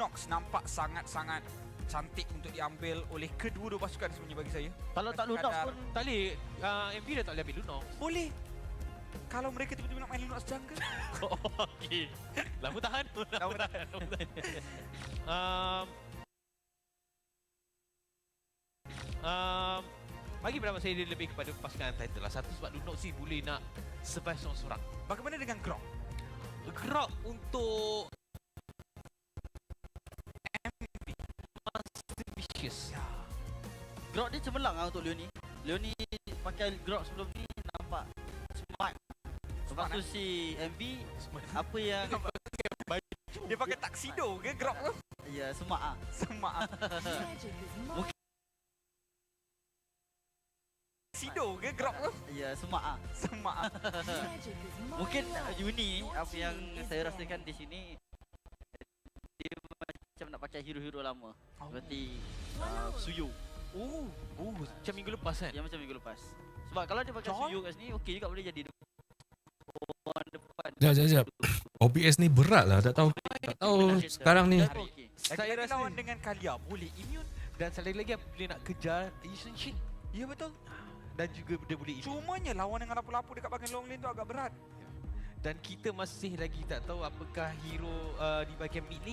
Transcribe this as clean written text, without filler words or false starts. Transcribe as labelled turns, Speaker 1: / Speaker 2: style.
Speaker 1: Lunox nampak sangat-sangat cantik untuk diambil oleh kedua-dua pasukan sebenarnya bagi saya.
Speaker 2: Kalau tak Lunox pun
Speaker 3: Tak boleh, MV dah tak boleh ambil Lunox.
Speaker 1: Boleh. Kalau mereka tiba-tiba nak main Lunox jungle.
Speaker 3: Okey. Lama tahan.
Speaker 1: Lama tahan.
Speaker 3: Bagi pendapat saya dia lebih kepada pasukan Untitled lah. Satu sebab Lunox ni boleh nak survive seorang-seorang.
Speaker 1: Bagaimana dengan Grok?
Speaker 3: Grok untuk Master Vicious.
Speaker 2: Grok dia cemerlang lah untuk Leonie. Leonie pakai Grok sebelum ni nampak smart. Lepas tu si MV apa yang
Speaker 1: Dia pakai tuxedo ke Grok tu?
Speaker 2: ya smart ah.
Speaker 1: Semak.
Speaker 2: Mungkin
Speaker 1: Tuxedo ke Grok tu?
Speaker 2: ya smart ah.
Speaker 1: Semak.
Speaker 2: Mungkin Uni apa yang saya rasakan di sini dia macam nak pakai hero-hero lama. Seperti Suyu.
Speaker 3: Oh, macam minggu lepas kan?
Speaker 2: Yang macam minggu lepas. Sebab kalau dia pakai Suyu kat sini okey juga boleh jadi orang depan.
Speaker 4: Sekejap. OBS ni berat lah. Tak tahu sekarang ni.
Speaker 2: Okey.
Speaker 3: Saya rasa
Speaker 1: lawan dengan Kalia boleh immune.
Speaker 3: dan satu lagi boleh nak kejar Yushin Shin.
Speaker 1: Ya betul.
Speaker 3: Dan juga dia boleh immune.
Speaker 1: Cumanya lawan dengan lapu-lapu dekat bahagian long lane tu agak berat.
Speaker 3: Dan kita masih lagi tak tahu apakah hero di bahagian mid lane